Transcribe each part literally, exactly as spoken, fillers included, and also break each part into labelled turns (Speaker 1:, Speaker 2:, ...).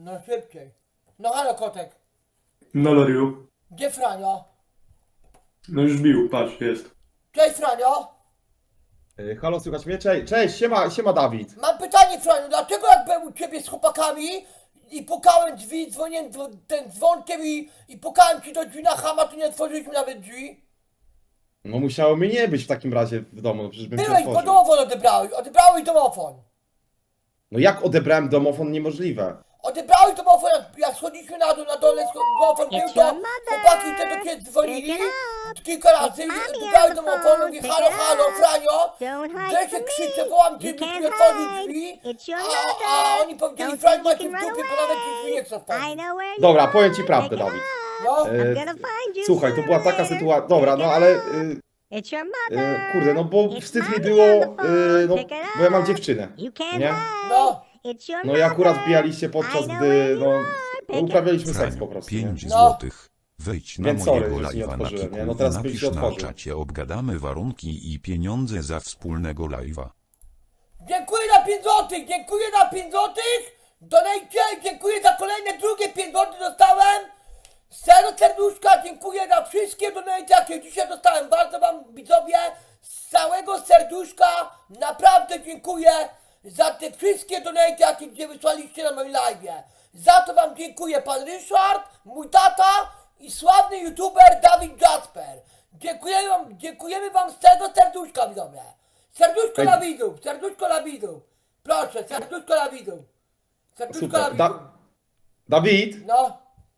Speaker 1: No szybciej. No halo kotek.
Speaker 2: No Loriu.
Speaker 1: Gdzie Franio?
Speaker 2: No już bił, patrz, jest.
Speaker 1: Cześć Franio.
Speaker 3: Yy, halo, słychać mnie? Cześć, cześć, siema, siema Dawid.
Speaker 1: Mam pytanie Franio, dlaczego jak byłem u ciebie z chłopakami i pukałem drzwi, dzwoniłem dwo- ten dzwonkiem i, i pukałem ci do drzwi na chama, to nie otworzyliśmy nawet drzwi?
Speaker 3: No musiało mnie nie być w takim razie w domu, no przecież bym cię
Speaker 1: Byłeś, bo
Speaker 3: otworzył.
Speaker 1: domofon odebrałeś, odebrałeś domofon.
Speaker 3: No jak odebrałem domofon? Niemożliwe.
Speaker 1: Odebrałeś domofon, jak, jak schodziliśmy na dół, na dole, sko- domofon był,
Speaker 4: It's
Speaker 1: to
Speaker 4: your mother.
Speaker 1: chłopaki te do ciebie dzwonili
Speaker 4: Pick it
Speaker 1: kilka razy,
Speaker 4: It's mommy
Speaker 1: odebrałeś
Speaker 4: on the
Speaker 1: domofon,
Speaker 4: phone.
Speaker 1: mówię
Speaker 4: Pick
Speaker 1: halo,
Speaker 4: it
Speaker 1: halo,
Speaker 4: up.
Speaker 1: Franio.
Speaker 4: Don't hide
Speaker 1: Gdzie się
Speaker 4: from
Speaker 1: krzyczę,
Speaker 4: me.
Speaker 1: wołam
Speaker 4: You
Speaker 1: cię,
Speaker 4: can't
Speaker 1: by otworzył
Speaker 4: hide.
Speaker 1: drzwi,
Speaker 4: It's your
Speaker 1: a,
Speaker 4: mother.
Speaker 1: a oni powiedzieli,
Speaker 4: Don't
Speaker 1: Franio
Speaker 4: think you
Speaker 1: macie w
Speaker 4: can run
Speaker 1: dupie, bo nawet drzwi nie chcą
Speaker 4: away. I
Speaker 1: wchodzić.
Speaker 4: know where you
Speaker 3: Dobra,
Speaker 4: are.
Speaker 3: powiem ci prawdę,
Speaker 4: Pick it
Speaker 3: Dawid.
Speaker 4: up.
Speaker 1: No,
Speaker 3: E,
Speaker 4: I'm gonna find you
Speaker 3: Słuchaj, to była taka
Speaker 4: somewhere.
Speaker 3: sytuacja. Dobra, no ale. y,
Speaker 4: It's your
Speaker 3: y,
Speaker 4: mother.
Speaker 3: kurde, no bo
Speaker 4: It's
Speaker 3: wstyd mi
Speaker 4: mommy
Speaker 3: było.
Speaker 4: on the phone.
Speaker 3: y, No,
Speaker 4: Pick it
Speaker 3: bo ja mam
Speaker 4: up.
Speaker 3: dziewczynę.
Speaker 4: You can't
Speaker 3: Nie?
Speaker 4: hide.
Speaker 1: no,
Speaker 4: It's your
Speaker 3: No i akurat
Speaker 4: mother.
Speaker 3: wbijaliście
Speaker 4: I
Speaker 3: podczas
Speaker 4: know
Speaker 3: gdy.
Speaker 4: where you
Speaker 3: No,
Speaker 4: are. Pick it
Speaker 3: uprawialiśmy seks
Speaker 5: Franio,
Speaker 3: po prostu. Nie?
Speaker 5: pięć
Speaker 1: No.
Speaker 5: złotych. Wejdź na
Speaker 3: Więc sorry,
Speaker 5: mojego
Speaker 3: że ci nie
Speaker 5: live'a na
Speaker 3: otworzyłem,
Speaker 5: Kiku
Speaker 3: nie? No
Speaker 5: i
Speaker 3: teraz byś
Speaker 5: napisz
Speaker 3: się
Speaker 5: na
Speaker 3: otworzył.
Speaker 5: czacie, obgadamy warunki i pieniądze za wspólnego live'a.
Speaker 1: dziękuję za pięć złotych, dziękuję za pięć złotych, donajcie, dziękuję za kolejne drugie pięć złotych dostałem, z całego serduszka dziękuję za wszystkie donajcie, jakie dzisiaj dostałem, bardzo wam widzowie, z całego serduszka naprawdę dziękuję za te wszystkie donajcie, jakie gdzie wysłaliście na moim live'ie. Za to wam dziękuję pan Ryszard, mój tata i sławny youtuber Dawid Jasper. Dziękujemy wam, dziękujemy wam z całego serduszka widzowie. Serduszko
Speaker 3: Ej.
Speaker 1: dla widzów, serduszko dla widzów. Proszę, serduszko dla widzów. Serduszko dla
Speaker 3: Super.
Speaker 1: widzów.
Speaker 3: Da Dawid,
Speaker 1: No,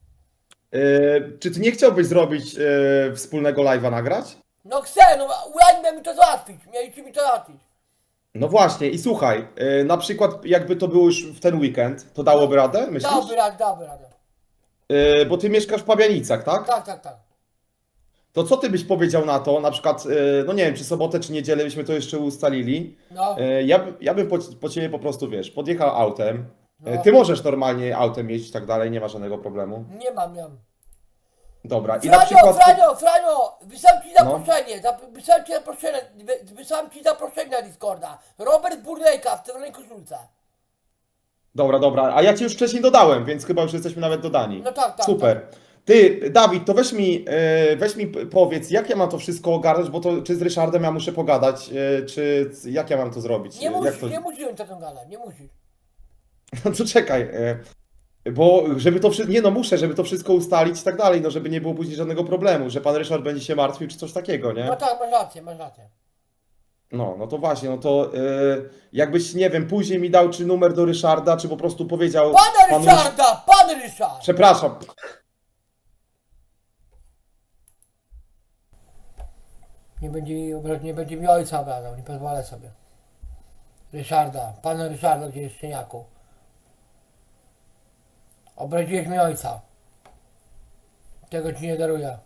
Speaker 3: y, czy ty nie chciałbyś zrobić y, wspólnego live'a nagrać?
Speaker 1: no chcę, no uradźmy mi to załatwić, mieliście mi to załatwić.
Speaker 3: No właśnie, i słuchaj, y, na przykład jakby to było już w ten weekend, to dałoby radę, myślisz?
Speaker 1: Dałby radę, dałby radę.
Speaker 3: Y, bo ty mieszkasz w Pabianicach, tak?
Speaker 1: Tak, tak, tak.
Speaker 3: To co ty byś powiedział na to, na przykład, y, no nie wiem, czy sobotę, czy niedzielę byśmy to jeszcze ustalili.
Speaker 1: No,
Speaker 3: Y, ja, by- ja bym po, po ciebie po prostu, wiesz, podjechał autem. Y,
Speaker 1: No.
Speaker 3: Ty możesz normalnie autem jeździć i tak dalej, nie ma żadnego problemu.
Speaker 1: nie mam, nie mam.
Speaker 3: Dobra, i na
Speaker 1: Franio,
Speaker 3: przykład...
Speaker 1: Franio, Franio, wysłałem ci
Speaker 3: No.
Speaker 1: zaproszenie, zap- wysłałem ci zaproszenie, wy- wysłałem ci zaproszenie na Discorda. Robert Burdejka w czerwonej koszulce.
Speaker 3: Dobra, dobra, a ja cię już wcześniej dodałem, więc chyba już jesteśmy nawet dodani.
Speaker 1: No tak, tak,
Speaker 3: Super. Ty, Dawid, to weź mi, y, weź mi p- powiedz, jak ja mam to wszystko ogarnąć, bo to czy z Ryszardem ja muszę pogadać, y, czy c- jak ja mam to zrobić?
Speaker 1: Nie
Speaker 3: Y,
Speaker 1: musisz,
Speaker 3: jak to...
Speaker 1: nie musisz o tym gadać, nie musisz.
Speaker 3: No to czekaj, y, bo żeby to wszystko, nie no muszę, żeby to wszystko ustalić i tak dalej, no żeby nie było później żadnego problemu, że pan Ryszard będzie się martwił czy coś takiego, nie?
Speaker 1: No tak, masz rację, masz rację.
Speaker 3: No, no to właśnie, no to y, jakbyś, nie wiem, później mi dał czy numer do Ryszarda, czy po prostu powiedział...
Speaker 1: Pana
Speaker 3: panu
Speaker 1: Ryszarda, pan Ryszard!
Speaker 3: Przepraszam.
Speaker 1: Nie będzie, nie będzie mi ojca obrażał, nie pozwolę sobie. Ryszarda, pana Ryszarda, gdzie jest szczeniaku. Obraziłeś mi ojca. Tego ci nie daruję.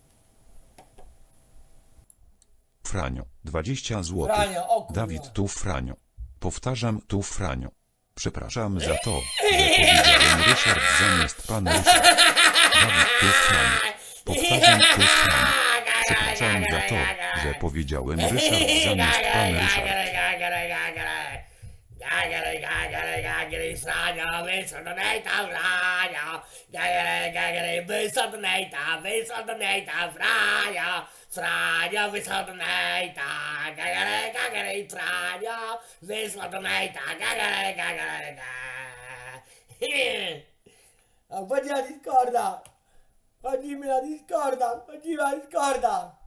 Speaker 5: Franio, dwadzieścia złotych.
Speaker 1: Franio, o kurwa.
Speaker 5: Dawid tu Franio. Powtarzam tu Franio. Przepraszam za to, że powiedziałem Ryszard zamiast pan Ryszard. Dawid tu Franio. Powtarzam tu Franio. Przepraszam za to, że powiedziałem Ryszard zamiast pan Ryszard.
Speaker 1: Franio, wysłał donata, gagare, gagare, Franio, wysłał donata, gagare, gagare, A chodzi na Discorda, chodzimy na Discorda, chodzimy na Discorda.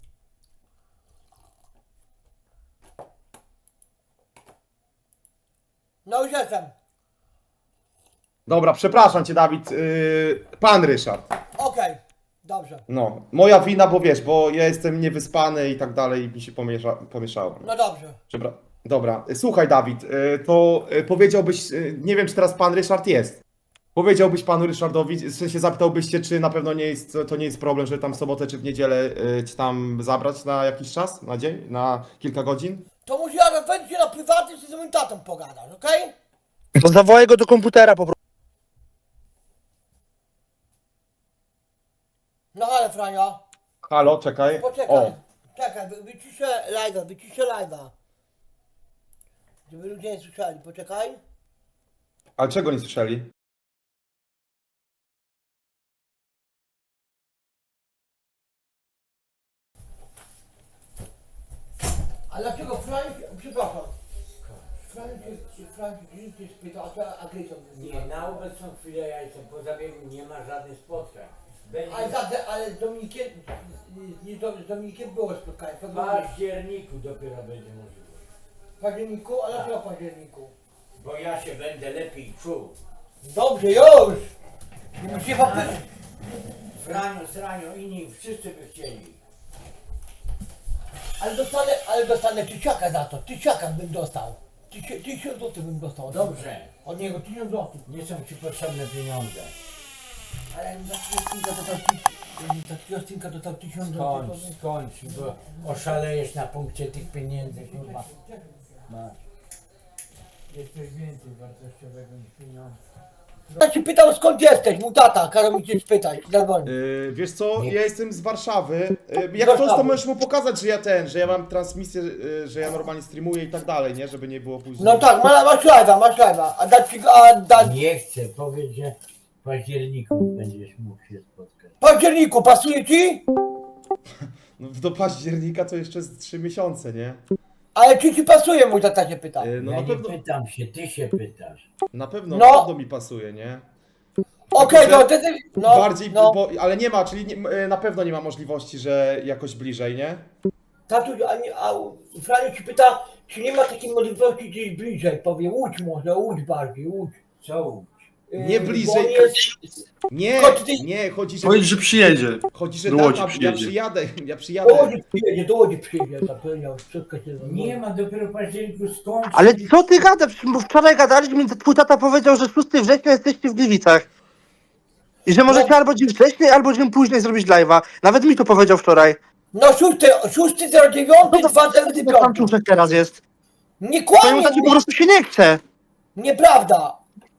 Speaker 1: No już jestem.
Speaker 3: Dobra, przepraszam cię, Dawid. Yy, pan Ryszard.
Speaker 1: Okej, dobrze.
Speaker 3: No, moja wina, bo wiesz, bo ja jestem niewyspany i tak dalej i mi się pomiesza, pomieszało.
Speaker 1: No dobrze.
Speaker 3: Przepra- Dobra, słuchaj, Dawid, yy, to yy, powiedziałbyś, yy, nie wiem, czy teraz pan Ryszard jest. Powiedziałbyś panu Ryszardowi, w sensie zapytałbyś się, czy na pewno nie jest, to nie jest problem, żeby tam w sobotę czy w niedzielę yy, cię tam zabrać na jakiś czas, na dzień, na kilka godzin?
Speaker 1: To musi ja wejść na prywatny z moim tatą pogadać, okej?
Speaker 6: To zawołaj go do komputera po prostu.
Speaker 1: No ale Franio,
Speaker 3: Halo, czekaj.
Speaker 1: poczekaj.
Speaker 3: O,
Speaker 1: Czekaj, wy- wyciszę live'a, wyciszę live'a. Żeby ludzie nie słyszeli, poczekaj.
Speaker 3: ale czego nie słyszeli?
Speaker 1: Franek, przepraszam. Franek się, Franek się spytał, a to agresją.
Speaker 4: Nie, na obecną chwilę ja jestem po zabiegu, nie ma żadnych spotkań. Będzie
Speaker 1: Ale, za- ale z Dominikiem, nie, z Dominikiem było spotkanie. To
Speaker 4: w
Speaker 1: było
Speaker 4: październiku dopiero będzie możliwość.
Speaker 1: w październiku, ale dlaczego w październiku?
Speaker 4: Bo ja się będę lepiej czuł.
Speaker 1: Dobrze, już! Nie musicie papy...
Speaker 4: Franiu, Sraniu, inni wszyscy by chcieli.
Speaker 1: Ale dostanę, ale dostanę tysiaka za to, tysiaka bym dostał. Tysi- Tysiąc złotych bym dostał. od
Speaker 4: Dobrze.
Speaker 1: niego. Od niego tysiąc złotych.
Speaker 4: Nie są ci potrzebne pieniądze.
Speaker 1: Ale za takiego stinka dostał tysiąc, za takiego stinka dostał tysiąc
Speaker 4: Skończ,
Speaker 1: złotych.
Speaker 4: skończ, bo oszalejesz na punkcie tych pieniędzy, kurwa. Masz. Jest coś więcej wartościowego niż pieniądze.
Speaker 1: Ja się pytał skąd jesteś, mój tata, kazał mi cię spytać, zadzwonił.
Speaker 3: Yy, wiesz co,
Speaker 4: Nie.
Speaker 3: ja jestem z Warszawy. Yy, jak
Speaker 1: Warszawy.
Speaker 3: coś, to możesz mu pokazać, że ja ten, że ja mam transmisję, yy, że ja normalnie streamuję i tak dalej, nie? Żeby nie było później.
Speaker 1: No tak, ma- masz live'a, masz live'a, a dać ci go, a dać...
Speaker 4: Nie chcę, powiedz, że w październiku będziesz mógł się spotkać.
Speaker 1: W październiku, pasuje ci?
Speaker 3: No, do października to jeszcze z trzy miesiące, nie?
Speaker 1: Ale czy ci pasuje, mój tata się pyta.
Speaker 3: Yy, no
Speaker 4: ja
Speaker 3: na
Speaker 4: nie
Speaker 3: pewno,
Speaker 4: pytam się, ty się pytasz.
Speaker 3: na pewno,
Speaker 1: No.
Speaker 3: na pewno mi pasuje, nie?
Speaker 1: Okej,
Speaker 3: że
Speaker 1: to ty, ty, no,
Speaker 3: Bardziej,
Speaker 1: no.
Speaker 3: bo, ale nie ma, czyli nie, yy, na pewno nie ma możliwości, że jakoś bliżej, nie?
Speaker 1: Tatuś, a, nie, a Franiu ci pyta, czy nie ma takiej możliwości gdzieś bliżej, powie Łódź może, Łódź bardziej, Łódź.
Speaker 4: Co?
Speaker 1: Yy,
Speaker 3: Nie
Speaker 1: bo
Speaker 3: bliżej,
Speaker 1: on jest,
Speaker 3: Nie,
Speaker 1: Chodź ty-
Speaker 3: nie, chodzi, że...
Speaker 2: Powiedz, że przyjedzie.
Speaker 3: Chodzi, że
Speaker 2: do
Speaker 3: tak,
Speaker 2: Łodzi
Speaker 3: a- ja
Speaker 2: przyjedzie.
Speaker 3: przyjadę, ja
Speaker 1: do
Speaker 3: przyjadę.
Speaker 1: Łodzi przyjedzie, do Łodzi przyjedzie, zapewniał, wszystko się
Speaker 4: Nie ma dopiero w październiku skończyć.
Speaker 6: Ale co ty gadasz? Bo wczoraj gadaliśmy, to twój tata powiedział, że szóstego września jesteście w Gliwicach. I że możecie
Speaker 1: No.
Speaker 6: albo dzień wcześniej, albo dzień później zrobić live'a. Nawet mi to powiedział wczoraj.
Speaker 1: No szósty, szósty, zero dziewiąty, dwa zero
Speaker 6: Co tam
Speaker 1: pięć.
Speaker 6: czuszek teraz jest?
Speaker 1: Nie
Speaker 6: Twojemu
Speaker 1: kłamie,
Speaker 6: tacie po
Speaker 1: nie,
Speaker 6: prostu się nie chce.
Speaker 1: nieprawda.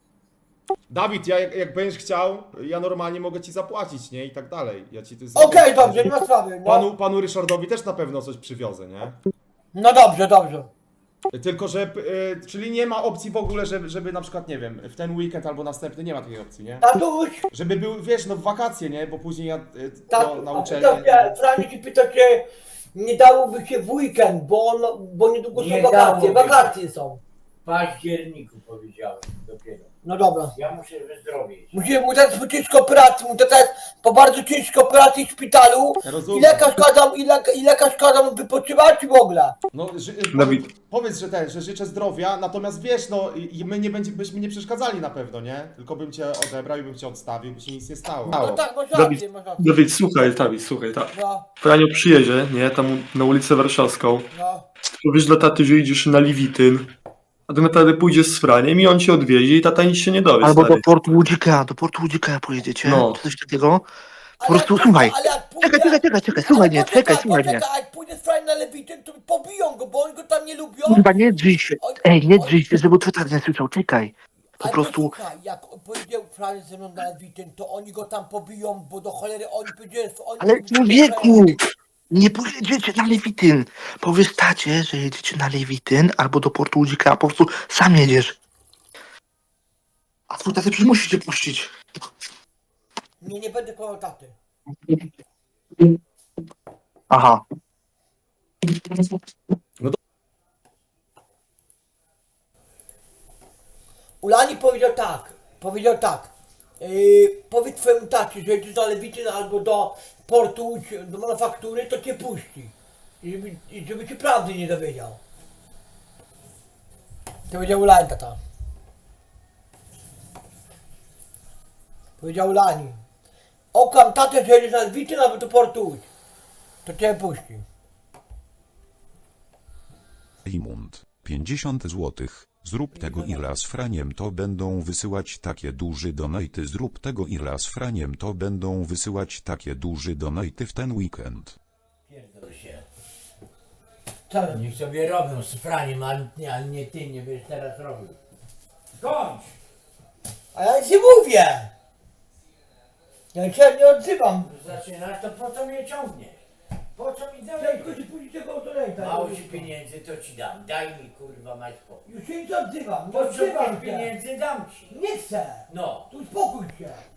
Speaker 3: Dawid, ja jak, jak będziesz chciał, ja normalnie mogę ci zapłacić, nie? I tak dalej. Ja ci to
Speaker 1: Okej, dobrze, nie ma sprawy, no.
Speaker 3: Panu, panu Ryszardowi też na pewno coś przywiozę, nie?
Speaker 1: No dobrze, dobrze.
Speaker 3: Tylko, że, y, czyli nie ma opcji w ogóle, żeby, żeby na przykład, nie wiem, w ten weekend albo następny, nie ma takiej opcji, nie?
Speaker 1: Tatuś,
Speaker 3: Żeby był, wiesz, no w wakacje, nie? Bo później ja y,
Speaker 1: tak,
Speaker 3: to na uczelnię...
Speaker 1: dobrze, Franiu ci pyta, czy nie dałoby się w weekend, bo, on, bo niedługo są
Speaker 4: Nie
Speaker 1: wakacje,
Speaker 4: dałoby się.
Speaker 1: wakacje są.
Speaker 4: W październiku powiedziałem dopiero.
Speaker 1: No dobra.
Speaker 4: Ja muszę wyzdrowieć.
Speaker 1: Musimy mu dać po ciężkiej operacji, mu dać po bardzo ciężkiej operacji w szpitalu.
Speaker 3: Ja
Speaker 1: I
Speaker 3: rozumiem.
Speaker 1: lekarz kazał, i, lek, i lekarz kazał mu wypoczywać w ogóle.
Speaker 3: No, ży,
Speaker 2: Dawid.
Speaker 3: Powiedz, że ten, że życzę zdrowia, natomiast wiesz, no i i my nie będzie, byśmy nie przeszkadzali na pewno, nie? Tylko bym cię odebrał i bym cię odstawił, by się nic nie stało.
Speaker 1: No tak, masz
Speaker 2: Dawid,
Speaker 1: rację, masz rację.
Speaker 2: Dawid, słuchaj, Dawid, słuchaj, tak.
Speaker 1: No,
Speaker 2: Franio przyjedzie, nie, tam na ulicę Warszawską.
Speaker 1: no.
Speaker 2: Powiesz dla taty, że idziesz na Liwityn. A tak naprawdę pójdziesz z Franiem i on cię odwiedzi i tata nic się nie dowie,
Speaker 6: Albo do
Speaker 2: stary.
Speaker 6: portu Łudzika, do portu Łudzika pojedziecie,
Speaker 2: No.
Speaker 6: czy coś takiego. Po
Speaker 1: Ale
Speaker 6: prostu
Speaker 1: jak-
Speaker 6: słuchaj.
Speaker 1: ale jak pójdę-
Speaker 6: Czekaj, czekaj, czekaj, czekaj, słuchaj
Speaker 1: ale
Speaker 6: mnie,
Speaker 1: poczekaj,
Speaker 6: czekaj, słuchaj mnie.
Speaker 1: poczekaj, jak pójdę z Frań na Lewityn, to pobiją go, bo oni go tam nie lubią.
Speaker 6: Kurwa, nie drzyj się.
Speaker 1: Oj,
Speaker 6: Ej, nie
Speaker 1: oj.
Speaker 6: drzyj się, żeby twój tata nie słyszał, czekaj. Po
Speaker 1: Ale
Speaker 6: prostu,
Speaker 1: posłuchaj, jak powiedział Frań ze mną na Lewityn, to oni go tam pobiją, bo do cholery oni powiedzieli, że oni...
Speaker 6: ale człowieku, nie pojedziecie na Lewityn. Powiesz tacie, że jedziecie na Lewityn albo do portu Łudzika, a po prostu sam jedziesz. A twój tata przecież musi cię puścić.
Speaker 1: Nie, nie będę kłamał taty.
Speaker 6: Aha.
Speaker 1: Ulani powiedział tak, powiedział tak, yy, powiedz twojemu tacie, że jedziesz do Lewityn albo do portu, Łódź, do manufaktury, to cię puści. I żeby, i żeby ci prawdy nie dowiedział. To powiedział Ulani tata. Powiedział Ulani. Okam tatę, że jedziesz na Lewityn albo do portu Łódź. To cię puści.
Speaker 5: Imund, pięćdziesiąt złotych. Zrób tego Irla z Franiem, to będą wysyłać takie duży donaty. Zrób tego Irla z Franiem, to będą wysyłać takie duży donaty w ten weekend.
Speaker 4: Pierdol się.
Speaker 1: Co?
Speaker 4: Niech sobie robią z Franiem, ale nie, ale nie ty, nie będziesz teraz robił. Skończ!
Speaker 1: A ja nic nie mówię. Ja się nie odzywam.
Speaker 4: Zaczynasz, to po co mnie ciągniesz? Po co mi
Speaker 1: Tylko
Speaker 4: dalej?
Speaker 1: ci pójdzie tego donata.
Speaker 4: Mało ci pieniędzy, to ci dam. Daj mi, kurwa, mać spokój.
Speaker 1: Już się nie odzywam, nie odzywam
Speaker 4: Potrzebujesz
Speaker 1: się.
Speaker 4: pieniędzy, dam ci.
Speaker 1: Nie chcę.
Speaker 4: No.
Speaker 1: Tu uspokój się.